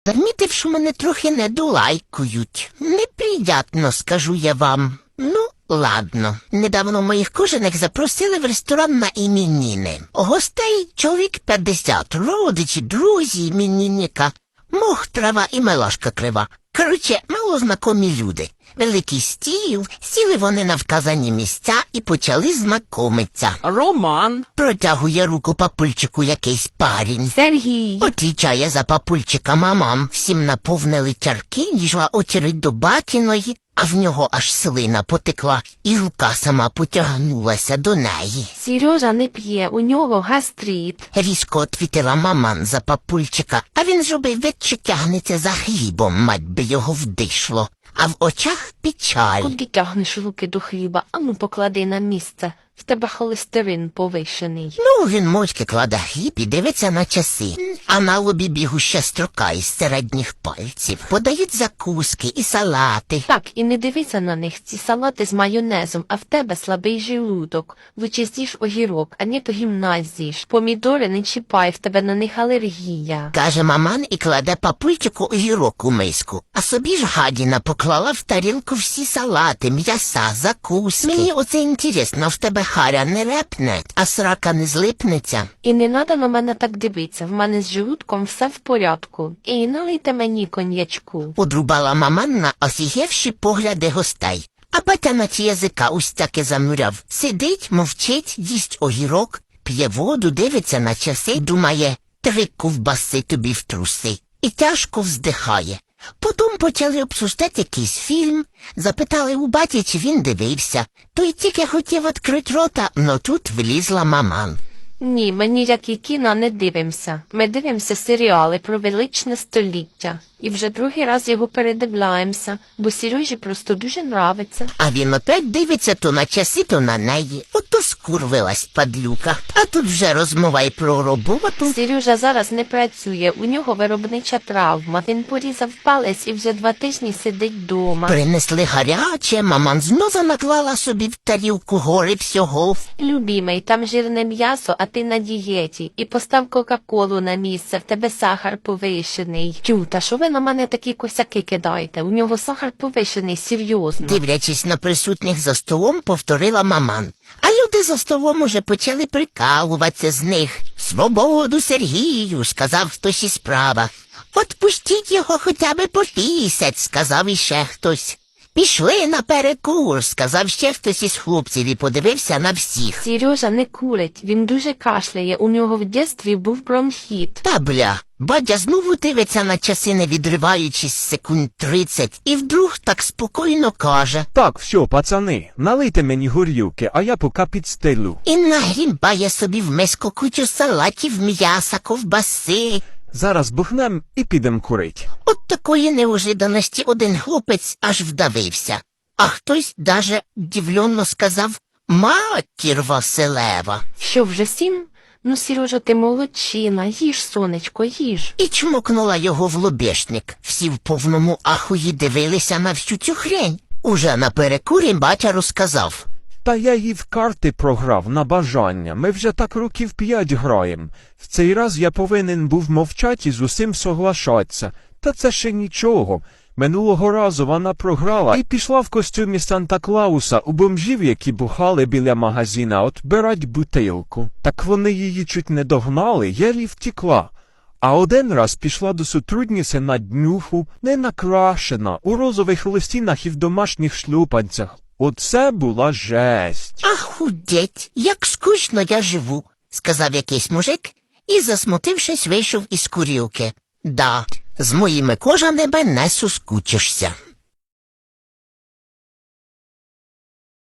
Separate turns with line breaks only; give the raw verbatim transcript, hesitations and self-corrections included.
Замітив, що мене трохи недолайкують. Неприятно, скажу я вам. Ну, ладно. Недавно моїх кожаних запросили в ресторан на іменини. Гостей чоловік п'ятдесят, родичі, друзі іменинника. Мох, трава і мелашка крива. Короче, малознакомі люди. Великий стіл, сіли вони на вказані місця і почали знайомитися.
Роман.
Протягує руку папульчику якийсь парень.
Сергій.
Отвічає за папульчика мамам. Всім наповнили чарки, дійшла очередь до батіної, а в нього аж слина потекла, і рука сама потягнулася до неї.
Сережа не п'є, у нього гастрит.
Різко отвітила маман за папульчика, а він зробив вид, що тягнеться за хлібом, мать би його вдишло. А в очах печаль.
Куди тягнеш руки до хліба? Ану поклади на місце. В тебе холестерин повищений.
Ну, він мовчки кладе хліб і дивиться на часи. А на лобі бігуща строка із середніх пальців. Подають закуски і салати.
Так, і не дивися на них, ці салати з майонезом, а в тебе слабий желудок. Лучше з'їж огірок, а не то гімназіш. Помідори не чіпай, в тебе на них алергія.
Каже маман і кладе папульчику огірок у миску. А собі ж гадіна поклала в тарілку всі салати, м'яса, закуски. Мені оце інтересно, в тебе харя не репне, а срака не злипнеться.
І не надо на мене так дивитися, в мене з желудком все в порядку. І налийте мені коньячку.
Подрубала маман на осігевші погляди гостей. А батя на ті язика ось таки замуряв. Сидить, мовчить, їсть огірок, п'є воду, дивиться на часи, думає, три ковбаси тобі в труси. І тяжко вздихає. Потім почали обсуждати якийсь фільм, запитали у баті, чи він дивився. Той тільки хотів відкрити рота, но тут влізла маман.
Ні, ми ніякі кіно не дивимося. Ми дивимося серіали про величне століття. І вже другий раз його передивляємося, бо Сережі просто дуже нравиться.
А він опять дивиться то на часи, то на неї. Ото скурвилась падлюка. А тут вже розмова й про роботу.
Сережа зараз не працює, у нього виробнича травма. Він порізав палець і вже два тижні сидить вдома.
Принесли гаряче, маман знову наклала собі в тарілку гори всього.
Любімий, там жирне м'ясо, а ти на дієті. І постав кока-колу на місце, в тебе сахар повищений. Тю, та що ви на мене такі косяки кидаєте? У нього сахар повищений, серйозно.
Дивлячись на присутніх за столом, повторила маман. А люди за столом уже почали прикалуватися з них. «Свободу Сергію», – сказав хтось із права. «Отпустіть його хоча б по місяць», – сказав іще хтось. «Пішли на перекур», – сказав ще хтось із хлопців і подивився на всіх.
Сережа не курить, він дуже кашляє, у нього в дитинстві був бронхіт.
Та бля, батя знову дивиться на часи, не відриваючись секунд тридцять, і вдруг так спокійно каже.
Так, все, пацани, налийте мені горілки, а я поки підстелю.
І нагрібає собі в миску кучу салатів, м'яса, ковбаси.
Зараз бухнем і підем курить.
От такої неожиданості один хлопець аж вдавився. А хтось даже дивленно сказав «Матір Василева».
Що, вже сім? Ну, Сережа, ти молодчина, їж, сонечко, їж.
І чмокнула його в лобешник. Всі в повному ахуї дивилися на всю цю хрень. Уже на перекурі батя розказав.
Та я їй в карти програв на бажання. Ми вже так років п'ять граєм. В цей раз я повинен був мовчати і з усім соглашатися. Та це ще нічого. Минулого разу вона програла і пішла в костюмі Санта-Клауса у бомжів, які бухали біля магазина, отбирать бутилку. Так вони її чуть не догнали, єлі втікла. А один раз пішла до сотрудниці на днюху, не накрашена, у розових листінах і в домашніх шлюпанцях. Оце була жесть.
«Ахудеть, як скучно я живу», – сказав якийсь мужик і, засмутившись, вийшов із курілки. «Да, з моїми кожаними не соскучишся».